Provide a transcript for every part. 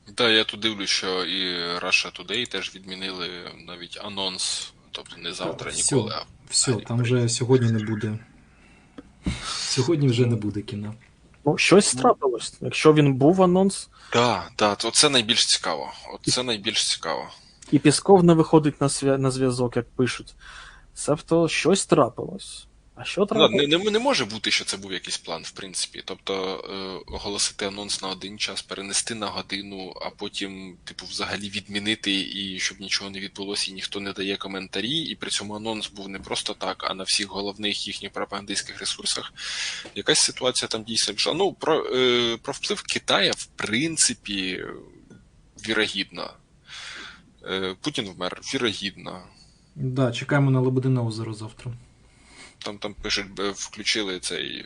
Так, я тут дивлюсь, що і Russia Today теж відмінили навіть анонс, тобто не Та завтра все, ніколи, а все, взагалі там вже перенесли. сьогодні не буде. Сьогодні вже не Ну, буде кіна. Ну, щось ну, трапилось. Якщо він був анонс, так, оце найбільш цікаво. Оце найбільш цікаво. і Пісков не виходить на зв'язок, як пишуть. Себто щось трапилось. А що Ну, трапилось? не може бути, що це був якийсь план, в принципі. Тобто оголосити анонс на один час, перенести на годину, а потім, типу, взагалі відмінити, і щоб нічого не відбулося, і ніхто не дає коментарі. І при цьому анонс був не просто так, а на всіх головних їхніх пропагандистських ресурсах. Якась ситуація там дійсно пішла. Ну, про вплив Китая, в принципі, вірогідно. Путін вмер, вірогідно. Да, чекаємо на Лебедине озеро завтра. Там пишуть, включили цей.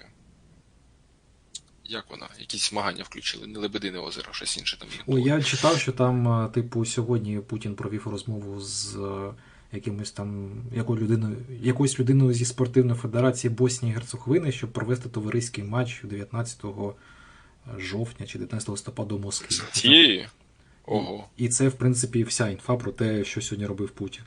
Як вона? Якісь змагання включили, не Лебедине озеро, щось інше там їх Ой, було. я читав, що там, типу, сьогодні Путін провів розмову з якимось там якоюсь людиною зі спортивної федерації Боснії і Герцеговини, щоб провести товариський матч 19 жовтня чи 19 листопада у Москві. Цієї? Ого. І це, в принципі, вся інфа про те, що сьогодні робив Путін.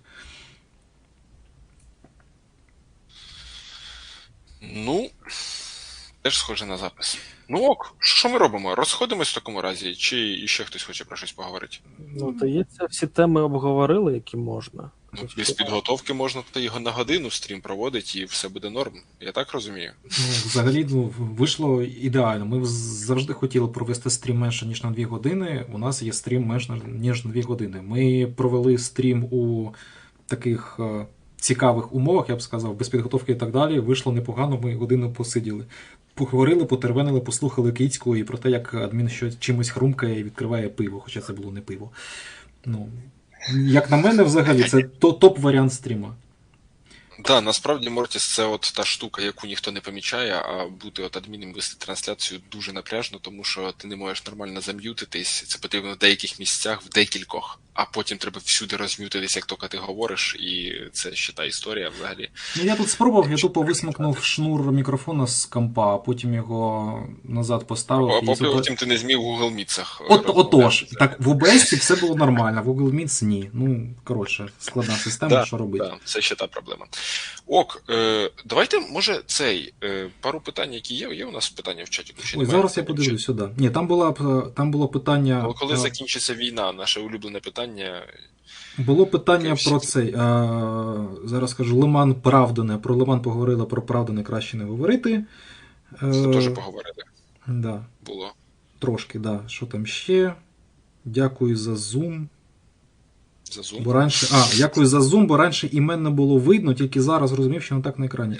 Ну, теж схоже на запис. Ну ок, що ми робимо? Розходимось в такому разі, чи іще хтось хоче про щось поговорити? Ну, здається, всі теми обговорили, які можна. Ну, без підготовки можна його на годину стрім проводити і все буде норм. Я так розумію. Ну, взагалі, вийшло ідеально. Ми завжди хотіли провести стрім менше, ніж на 2 години. У нас є стрім менше, ніж на 2 години. Ми провели стрім у таких цікавих умовах, я б сказав, без підготовки і так далі. Вийшло непогано, ми годину посиділи. Поговорили, потервенили, послухали Кицьку і про те, як адмін чимось хрумкає і відкриває пиво, хоча це було не пиво. Ну, як на мене, взагалі, це топ-варіант стріма. Так, насправді Мортіс це от та штука, яку ніхто не помічає, а бути от адміном вести трансляцію дуже напряжно, тому що ти не можеш нормально зам'ютитись, це потрібно в деяких місцях, в декількох, а потім треба всюди розм'ютитись, як тільки ти говориш, і це ще та історія взагалі. Ну, я тут спробував, я тупо висмикнув шнур мікрофона з компа, а потім його назад поставив. А І потім ти не зміг в Google Meets'ах Отож, так, в OBS все було нормально, в Google Meets ні. Ну, коротше, складна система, що робити. Так, це ще та проблема. Ок, давайте, може, пару питань, які є у нас питання в чаті? Ой, зараз я подивлюсь сюди. Ні, там було питання. Коли закінчиться війна, наше улюблене питання. Було питання про цей. Зараз скажу, Лиман Правдане. Про Лиман поговорили, про Правдане краще не говорити. Це теж поговорили. Да. Було. Трошки, да. Що там ще? Дякую за Zoom. За Zoom? Дякую за Zoom, бо раніше імен не було видно, тільки зараз розумів, що не так на екрані.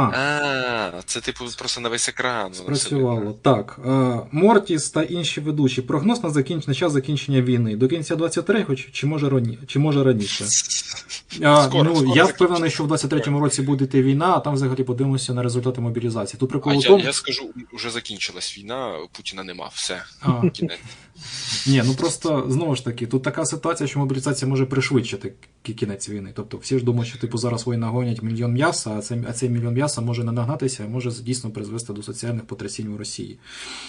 Це типу просто на весь екран. Спрацювало. Так. Мортіс та інші ведучі. Прогноз на час закінчення війни. До кінця 23-го чи може раніше? Скоро я впевнений, що в 23-му році буде йти війна, а там взагалі подивимося на результати мобілізації. Тут прикол тому... Я скажу, вже закінчилась війна, Путіна нема, все. Кінець. Ні, ну просто, знову ж таки, тут така ситуація, що мобілізація може пришвидшити кінець війни. Тобто всі ж думають, що типу зараз воїни гонять мільйон м'яса, а цей мільйон м'яса може не нагнатися, а може дійсно призвести до соціальних потрясінь в Росії.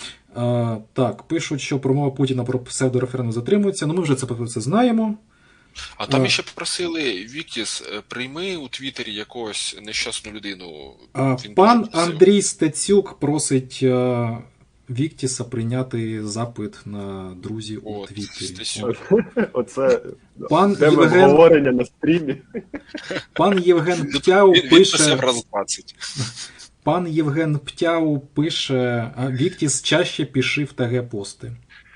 Так, пишуть, що промова Путіна про псевдореферендум затримується, ну ми вже це знаємо. А там ще попросили, Віктіс, прийми у Твіттері якогось нещасну людину. Пан Андрій Стецюк просить Віктіса прийняти запит на друзі у Твіттері. Оце тема обговорення на стрімі. Пан Євген Птяу пише... Пан Євген Птяу пише, Віктіс чаще пиши в ТГ-пости.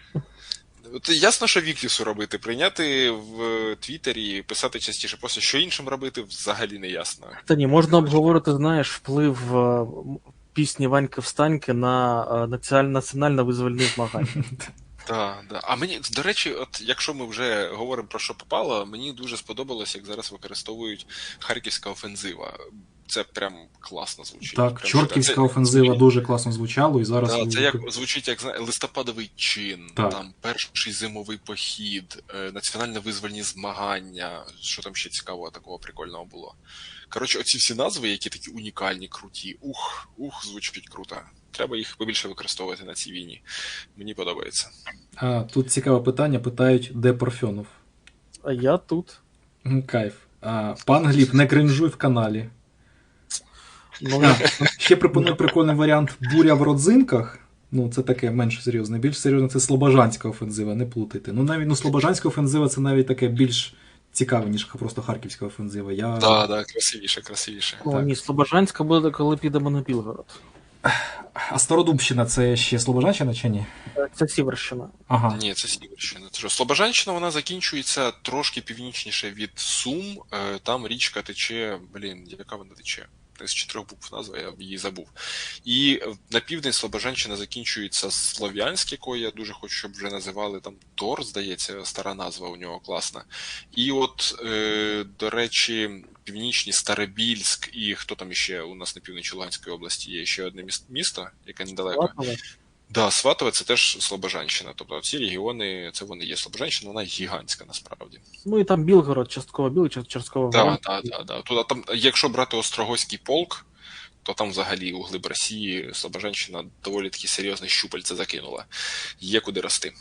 Ясно, що Віктісу робити. Прийняти в Твіттері, писати частіше пости. Що іншим робити, взагалі не ясно. Та ні, можна обговорити, знаєш, вплив пісні Ваньки Встаньки на національно-визвольні змагання. Так. А мені, до речі, от якщо ми вже говоримо про що попало, мені дуже сподобалось, як зараз використовують Харківська офензива. це прям класно звучить. Так, Прям чортківська це- офензива дуже класно звучало, і зараз Да, ви- це як звучить як листопадовий чин, Так. там перший зимовий похід, національно-визвольні змагання. Що там ще цікавого такого прикольного було? Коротше, оці всі назви, які такі унікальні, круті. Звучить круто. Треба їх побільше використовувати на цій війні. Мені подобається. Тут цікаве питання, питають, де Парфьонов? А я тут. Кайф. Пан Гліб, не кринжуй в каналі. Ну, Ще пропоную прикольний варіант буря в родзинках. Ну, це таке менш серйозне. Більш серйозне це Слобожанська офензива, не плутайте. Ну, навіть Слобожанська офензива це навіть таке більш цікаве, ніж просто Харківська офензива. Так, красивіше. ну так. ні, Слобожанська буде, коли підемо на Білгород. А Стародубщина це ще Слобожанщина чи ні? Це Сіверщина. Ага. Ні, це Сіверщина. Це що, Слобожанщина, вона закінчується трошки північніше від Сум. Там річка тече, яка вона тече? З 4 букв назва, я її забув. І на південь Слобожанщина закінчується Слов'янськ, якої я дуже хочу, щоб вже називали там Тор, здається, стара назва у нього класна. І от, до речі, північні Старобільськ і хто там іще у нас на півночі Луганської області є ще одне місто, яке недалеко. Сватове. Да, Сватове це теж Слобожанщина. Тобто ці регіони, це вони є. Слобожанщина, вона гігантська насправді. Ну і там Білгород, частково Білий, частково Воронеж. Так. Туди, там, якщо брати Острогойський полк, то там взагалі у глиб Росії Слобожанщина доволі таки серйозне щупальце закинула. Є куди рости.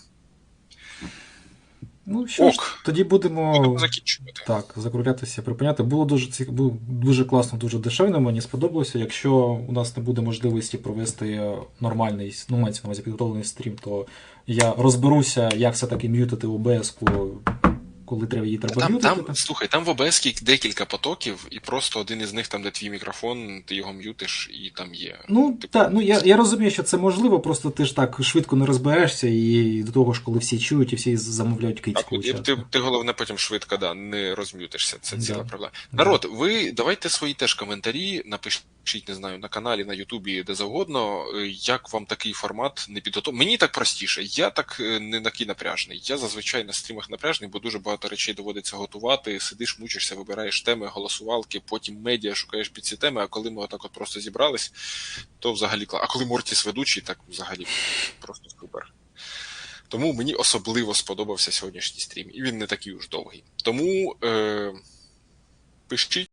Ну що ж, тоді будемо закінчувати. так, закруглятися, припиняти. Було було дуже класно, дуже дешевно, мені сподобалося. Якщо у нас не буде можливості провести нормальний, ну, мається на увазі підготовлений стрім, то я розберуся, як все-таки м'ютити OBS-ку, коли її треба м'ютити. Слухай, там в OBS декілька потоків, і просто один із них, там, де твій мікрофон, ти його м'ютиш, і там є. Ну, так, ну я розумію, що це можливо, просто ти ж так швидко не розберешся, і до того ж, коли всі чують і всі замовляють кицьку. Ти головне потім швидко не розм'ютишся, це ціла проблема. Народ, ви давайте свої теж коментарі, напишіть, не знаю, на каналі, на Ютубі, де завгодно, як вам такий формат не підготовлений. Мені так простіше, я так не такий напряжний. Я зазвичай на стрімах напряжний, бо дуже багато речей доводиться готувати, сидиш, мучишся, вибираєш теми, голосувалки, потім медіа, шукаєш під ці теми, а коли ми отак от просто зібрались, то взагалі клас. А коли Мортіс ведучий, так взагалі просто супер. Тому мені особливо сподобався сьогоднішній стрім, і він не такий уж довгий. Тому пишіть.